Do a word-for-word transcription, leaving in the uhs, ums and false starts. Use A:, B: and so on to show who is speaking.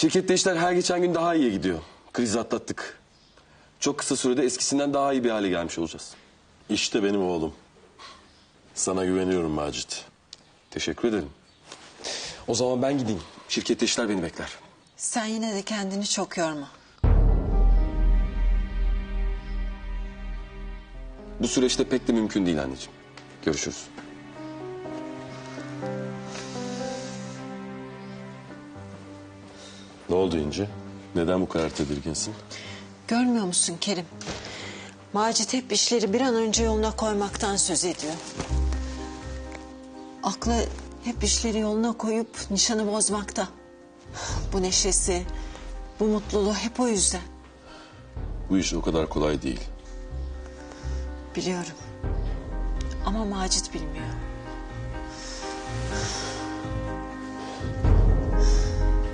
A: Şirkette işler her geçen gün daha iyiye gidiyor. Krizi atlattık. Çok kısa sürede eskisinden daha iyi bir hale gelmiş olacağız.
B: İşte benim oğlum. Sana güveniyorum Macit.
A: Teşekkür ederim. O zaman ben gideyim. Şirkette işler beni bekler.
C: Sen yine de kendini çok yorma.
A: Bu süreçte pek de mümkün değil anneciğim. Görüşürüz.
B: Ne oldu İnci? Neden bu kadar tedirginsin?
C: Görmüyor musun Kerim? Macit hep işleri bir an önce yoluna koymaktan söz ediyor. Aklı hep işleri yoluna koyup nişanı bozmakta. Bu neşesi, bu mutluluğu hep o yüzden.
B: Bu iş o kadar kolay değil.
C: Biliyorum. Ama Macit bilmiyor.